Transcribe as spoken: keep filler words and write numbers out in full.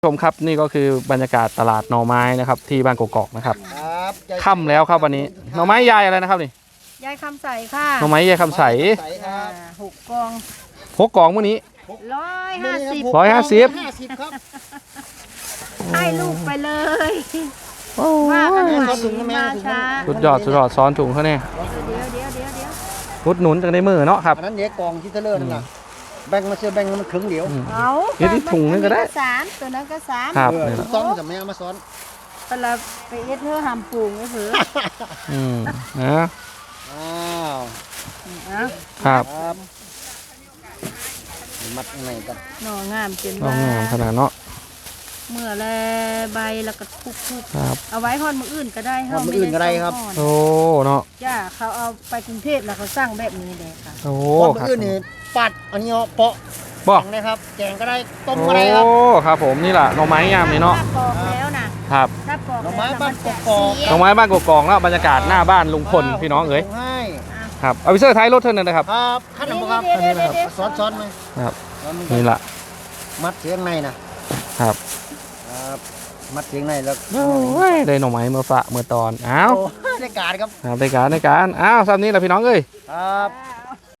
ชมครับนี่ก็คือบรรยากาศตลาดหน่อไม้นะครับที่บ้านกกอกนะครับครับค่ำแล้วครับวันนี้หน่อไม้ยายอะไรนะครับนี่ยายคำใสค่ะหน่อไม้ยายคำใสใสครับอ่าหกกองหกกล่องมื้อนี้ร้อยห้าสิบร้อยห้าสิบห้าสิบครับให้ลูกไปเลยโอ้ว่ากันยใหม่มาช้าสุดยอดสุดยอดซ้อนถุงเขาเนี่ยเดี๋ยวเดี๋ยวเดี๋ยวเดี๋ยวรุดหนุนจากในมือเนาะครับอันนั้นเดี๋ยวกองที่เทเลอร์นั่นแหละแบ่งมาเชื่อแบ่งมันครึ่งเดียวอืมเอาเดี๋ยวที่ถุงนึงก็ได้สามตัวนั้นก็สามครับเออนี่แหละซ้อนจะไม่เอามาซ้อนแต่ละไปเอ็ดเธอหำปรุงก็ถืออืมนะอ้าวเอาครับครับมัดข้างในกันหน่องามจนน้องว่างามขนาดเนาะเมื่อแลใบแล้วก็ทุกทุกครับเอาไว้พอดมืออื่นก็ได้ทำมืออื่นก็ได้ครับเฮาม่โอ้เนาะจ้าเขาเอาไปกรุงเทพแล้วเขาสร้างแบบนี้เลยค่ะโอ้พอคมืรับออื่นนี่ปัดอันนี้เอาเปาะบ่แกงนะครับแกงก็ได้ต้มก็ได้ครับโอ้ครับผมนี่แหละหน่อไม้ยามนี่เนาะถ้าปอกแล้วนะครับ ถ้าปอกหน่อแล้วไม้บ้านกกอกหน่อไม้บ้านกกอกแล้วบรรยากาศหน้าบ้านลุงพลพี่น้องเอ๋ยส่ให้ครับเอาไปเสื้อท้ายรถเท่านั้นนะครับครับขั้นหนึ่งครับเดี๋ยวเดี๋ยวเดี๋ยวซ้อนซ้อนไหมครับแล้วมันนี่แหละมัดเสียงในนะครับ ครับมัดเสียงในแล้วโอ้ยได้หน่อไม้เมื่อฝะเมื่อตอนอ้าวโอ้ได้การครับครับในการในการอ้าวซ้ำนี้แหละพี่น้องเอ้ยครับเอา